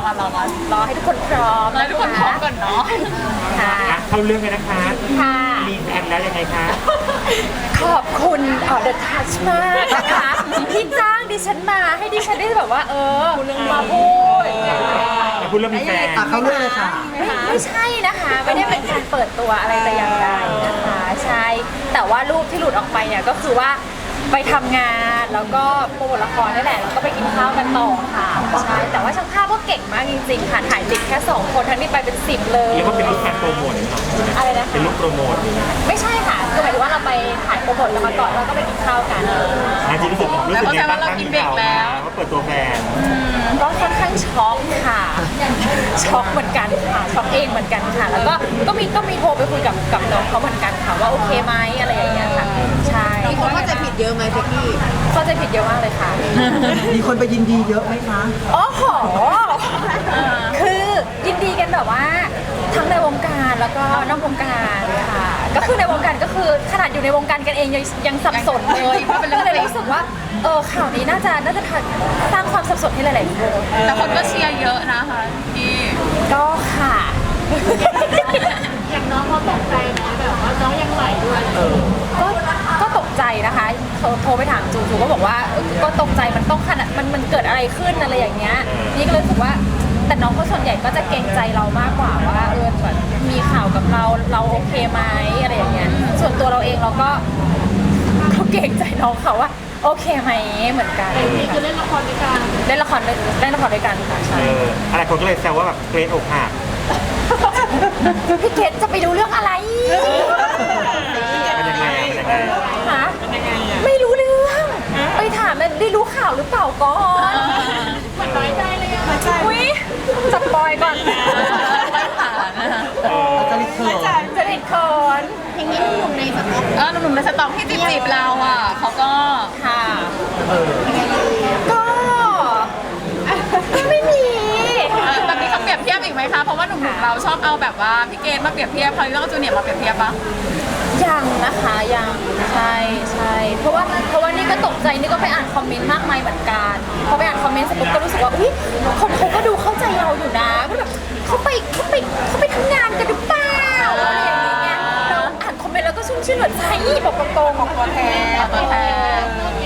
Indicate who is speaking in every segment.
Speaker 1: รอให้ทุกคนพร้อม
Speaker 2: ให้ทุกคนพร้อมก่อนเนาะ
Speaker 1: ค่ะ
Speaker 3: เข้าเรื่องเลยนะคะ
Speaker 1: ค่ะ
Speaker 3: มีแฟนแล้วยังไงคะ
Speaker 1: ขอบคุณThe Touch มากนะคะที่จ้างดิฉันมาให้ดิฉันได้แบบว่ามาพูด
Speaker 3: แต่พูดเรื่องมีแฟน
Speaker 4: เข้าเรื่องเลยค่ะ
Speaker 1: ไม่ใช่นะคะไม่ได้เป็นการเปิดตัวอะไรแต่อย่างใดนะคะใช่แต่ว่ารูปที่หลุดออกไปเนี่ยก็คือว่าไปทำงานแล้วก็โปรโมทละครนี่แหละแล้วก็ไปกินข้าวกันต่อค่ะใช่แต่ว่าช่างภาพก็เก่งมากจริงๆค่ะถ่ายติดแค่2คนทั้งที่ไปเป็น10เลย
Speaker 3: เรียกว่าเป็นลูกแฟนโปรโมท
Speaker 1: อะไรนะคะ
Speaker 3: เป็นลูกโปรโมท
Speaker 1: ไม่ใช่ค่ะคือหมายถึงว่าเราไปถ่ายโปรโมทแล้วมาก่อนแล้วก็ไปกินข้าวกัน
Speaker 3: จริงรู้สึกยังไงบ้างคะว่าเปิดตัวแฟน
Speaker 1: ก็ค่อนข้างช็อกค่ะช็อกเหมือนกันค่ะช็อกเองเหมือนกันค่ะแล้วก็มีโทรไปคุยกับน้องเขาเหมือนกันค่ะว่าโอเคไหมอะไรอย่างเงี้ยค่ะใช่
Speaker 5: มีคนเข้าใจผิดเยอะไหมเพ็กกี้
Speaker 1: เข้าใจผิดเยอะมากเลยค่ะ
Speaker 4: มีคนไปยินดีเยอะไหมคะ
Speaker 1: โอ้โหคือยินดีกันแบบว่าทั้งในวงการแล้วก็นอกวงการค่ะก็คือในวงการก็คือขนาดอยู่ในวงการกันเองยังสับสนเลยก็เลยรู้สึกว่าข่าวนี้น่าจะสร้างความสับสนให้หลายๆคน
Speaker 2: แต่คนก็เชียร์เยอะนะคะพี่
Speaker 1: ก็ค่ะ
Speaker 6: อย่างน้องเขาตกใจไหมแบบว่าน้องยังไหวด้วย
Speaker 1: ก็ตกใจนะคะโทรไปถามจูก็บอกว่าก็ตกใจมันต้องขนาดมันเกิดอะไรขึ้นอะไรอย่างเงี้ยนี่ก็เลยรู้สึกว่าแต่น้องเขาส่วนใหญ่ก็จะเกรงใจเรามากกว่าว่าแบบมีข่าวกับเราโอเคไหมอะไรอย่างเงี้ยส่วนตัวเราเองเราก็เกรงใจน้องเขาว่าโอเคไหมเหมือนกัน
Speaker 6: นี่คือเล่นละครด้วยกัน
Speaker 1: เล่นละครด้วยกันค่ะใช่
Speaker 3: อะไรคนก็เลยแซวว่าแบบเกรดอกหัก
Speaker 1: พี่เกดจะไปดูเรื่องอะไร
Speaker 3: เป็นยังไง
Speaker 1: ฮะไม่รู้เรื่องไปถามมันได้รู้ข่าวหรือเปล่าก่อน
Speaker 6: เหมือนน้อยใจเลยอะ
Speaker 1: อุ้ยจับปอยก่อน
Speaker 2: ไม่ผ่านนะคะ
Speaker 4: จะรีบเขิน
Speaker 1: จะติดคอน
Speaker 5: เพลงนี้หนุ่มในสต็อก
Speaker 2: หนุ่มๆในสต็อกที่จีบเราอ่ะเขาก็
Speaker 1: ค่ะก็ไม่มี
Speaker 2: แบบนี้เขาเปรียบเทียบอีกไหมคะเพราะว่าหนุ่มๆเราชอบเอาแบบว่าพี่เกณฑ์มาเปรียบเทียบพอลิลล์จูเนียร์มาเปรียบเทียบปะ
Speaker 1: ยังนะคะยังใช่เพราะว่านี่ก็ตกใจนี่ก็ไปอ่านคอมเมนต์มากมายเหมือนกันพอไปอ่านคอมเมนต์เสร็จปุ๊บก็รู้สึกว่าอุ้ยคนเขาก็ดูเข้าใจเราอยู่นะก็แบบเขาไปทำงานกันหรือเปล่าอะไรอย่างเงี้ยเราอ่านคอมเมนต์แล้วก็ชุ่มชื่นหัวใจบอกตรงๆของตัวแทน
Speaker 2: ตัวแทน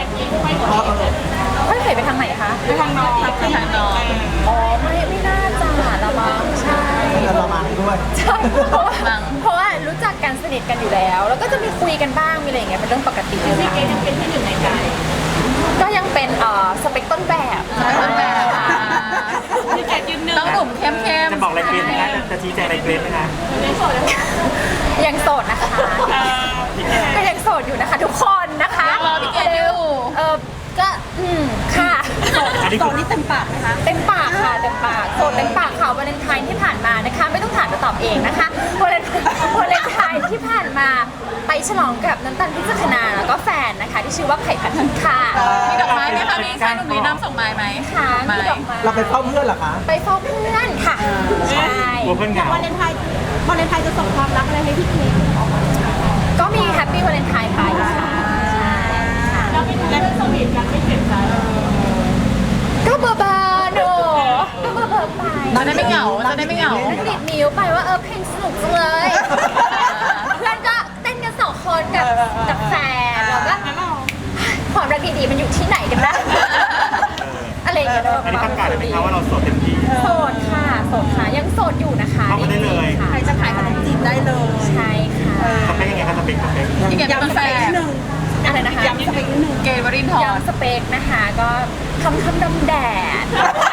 Speaker 1: เฮ้ยเหยไปทางไหนคะ
Speaker 2: ไปทางน้องไปทางน้อง
Speaker 1: อ๋อไม่น่าจะละมั้งใช่
Speaker 4: จะระมังด้วย
Speaker 1: ใช่เพราะว่ารู้จักกันสนิทกันอยู่แล้ว แล้วก็จะมีคุยกันบ้างมีอะไรอย่างเงี้ยเป็นเรื่องปกติเลย
Speaker 6: พี่เกดยังเป็นที่หนึ่งในใจ
Speaker 1: ก็ยังเป็นสเปคต้นแบบ
Speaker 2: ต้นแบบ
Speaker 6: พี่เกดยืนหนึ่ง
Speaker 2: ต้องหนุ่มเข้ม
Speaker 3: จะบอกอะไรเกรดไหมคะจะชี้แจงอะไรเกรดไหมคะ
Speaker 6: ในโสดนะคะ
Speaker 1: ยังโสดนะคะก็ยังโสดอยู่นะคะทุกคนนะคะ
Speaker 2: รอพี่เกณฑ์อยู่
Speaker 1: ก็ค่ะ
Speaker 3: อันนี้
Speaker 5: ต
Speaker 3: คือ
Speaker 5: อนนี้เต็มปากไหมคะ
Speaker 1: เต็มปากค่ะเต็มปากโสดเต็มปากค่ะวาเลนไทน์ที่ผ่านมานะคะ ไม่ต้องถามจะตอบเองนะคะวาเลนไทน์ที่ผ่านมาไปฉลองกับน้ำตาลพิจักนาแล้วก็แฟนนะคะ ที่ชื่อว่าไผ่พันธุ์ค่ะ
Speaker 2: ๆมีดอกไม้ไหมคะมีชายหนุ่มนี้นำส่งไม้ไหม
Speaker 1: ค่ะ
Speaker 2: ไม้
Speaker 1: มีดอกไม้
Speaker 4: เราไปเฝ้าเพื่อนเหรอคะ
Speaker 1: ไปเฝ้าเพื่อนค่ะใช่
Speaker 3: กลัวเพื่อนเหงา
Speaker 6: วาเลนไทน์จะส่งความรักอะไรให้พี่เกด
Speaker 1: ก็มีแฮปปี้วาเลนไทน์ไปค่ะใช่ค่ะ
Speaker 6: แล้วไม่รู้เรื่องสวีทกันไม่เจ็บใจ
Speaker 1: ก็เบอร์โนก็เบอร์ไป
Speaker 2: จะได้ไม่เหงาจะได้ไม่เหงา
Speaker 1: แล้วก็ดิดนิ้วไปว่าเพลงสนุกจังเลย เพื่อนก็เต้นกัน2 คนกับแฟนแล้วก็ความรักดีๆมันอยู่ที่ไหนกันนะอะไรอย่างเงี้ย
Speaker 3: อันนี้ประกาศเลยไหมคะว่าเราโสดเต็มที่
Speaker 1: โสดค่ะยังโสดอยู่นะคะ
Speaker 3: เข้ามาได้เลย
Speaker 1: ค่ะ
Speaker 5: ใครจะขายขนมจีบได้เลย
Speaker 1: ใช่ค่ะ
Speaker 3: สเปคยังไงคะสเปค
Speaker 2: พี่เกณฑ์เป็นแฟน
Speaker 1: อะไรนะคะ
Speaker 5: ย้ำสเปคนิดนึง
Speaker 2: เกณฑ์วรินทร์
Speaker 1: ย้ำสเปคนะคะก็คำดำแดด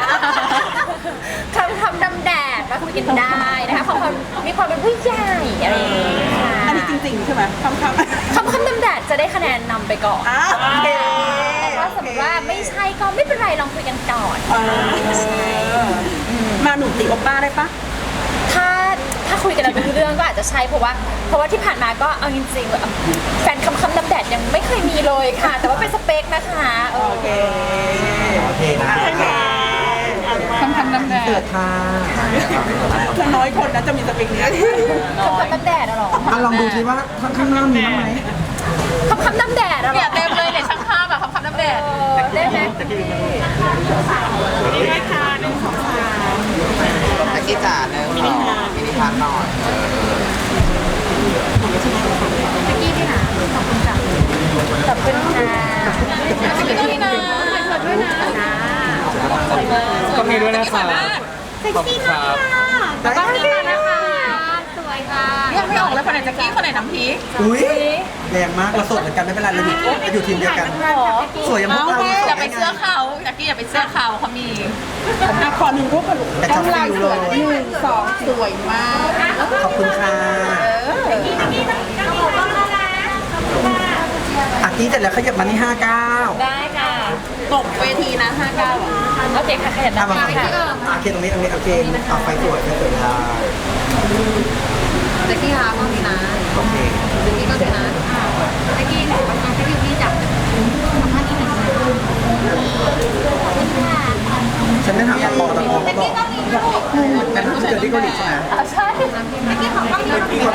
Speaker 1: คำดำแดดมาคุยกันได้นะคะความมีความเป็นผู้ใหญ่อะไรอย่างเงี้ยค่ะ
Speaker 5: อันนี้จริงๆใช่ไหมคำ
Speaker 1: คำดำแดดจะได้คะแนนนำไปก่อน
Speaker 5: โอเค
Speaker 1: แต่ถ้าสมมติว่าไม่ใช่ก็ไม่เป็นไรลองคุยกันก่อน
Speaker 5: มาหนุ่มตีโอป้าได้ปะ
Speaker 1: ถ้าคุยกันแล้วรู้เรื่องก็อาจจะใช่เพราะว่าที่ผ่านมาก็เอาจริงๆแฟนคำดำแดดยังไม่เคยมีเลยค่ะ แต่ว่าเป็นสเปคนะคะ
Speaker 4: โอเคนะ
Speaker 2: คำน้ำแด
Speaker 4: เกิ
Speaker 2: ด
Speaker 4: ดค่ะ
Speaker 5: คือน้อยคนนะจะมีสเปคนี้
Speaker 1: คำดำแดดอะเหรอ
Speaker 4: ลองดูซิว่าข้างหน้ามีบ้างไหม
Speaker 1: คำดำแดดอะเหร
Speaker 2: เนี่ย
Speaker 1: อ
Speaker 2: เต็มเลยเนี่ยช่างภาพอะคำน้ำแดด
Speaker 1: ได้ไหม
Speaker 3: จะพี่
Speaker 6: นี่นะคะ1 2 3
Speaker 4: กกี้จ๋าเนื้อมินิพาร์ทหน่อย
Speaker 1: เมื่อกี้พี่หาขอบคุณค่ะขอบคุณค่ะ
Speaker 2: พี่ตุ้ยนะ
Speaker 1: ด้วยนะ
Speaker 3: ก็มีด้วยนะครับ
Speaker 1: เซ็กซี่มากค่ะแล้วก็นี่ค่ะนะคะสวยค่ะ
Speaker 2: ยังไม่ออกเลยคนไหนแจ็คกี้คนไหนน้ำพริก
Speaker 4: อุ้ยแรงมากเราสดเหมือนกันไม่เป็นไรเราอยู่ทีมเดียวกัน สวยยังพวกเรา
Speaker 2: อย่าไปเสื้อเขาแจ็คกี้อย่าไปเสื้อเขาเขามี
Speaker 5: อ่ะขอหนึ่งรูปกันลูก
Speaker 4: แต่
Speaker 5: ต้
Speaker 4: ช
Speaker 5: อ
Speaker 4: อง บ
Speaker 5: ลาย
Speaker 4: ฟิ
Speaker 5: ส
Speaker 4: ว
Speaker 5: วย
Speaker 4: เลย
Speaker 5: 1 2 สวยมาก
Speaker 4: ขอบคุณค่ะอากี้เสร็จแล้วขยับมาที่59
Speaker 1: ได้ค่ะ
Speaker 5: ตกเวทีนะ59อ่ะ
Speaker 1: โอเคค่ะขยัน
Speaker 4: อ่ะ
Speaker 1: นะ
Speaker 4: มา
Speaker 1: คะ
Speaker 4: โอเคตรงนี้โอเคเอาไฟสวยได้
Speaker 1: เซ็กซี่ค่ะห้องนี้นะ
Speaker 4: โอเค
Speaker 1: เซ็กซี่ก็เลยนะเซ็กซี่ทำงานเซ็กซี่พี่จับทำงานที่ไหนค่ะ
Speaker 4: ฉันได้ถามตะปอก็บอกแต่ถ้าเกิดที่เกาหลีใช่ไหม
Speaker 1: ใช่เซ็กซี่ของห้องนี้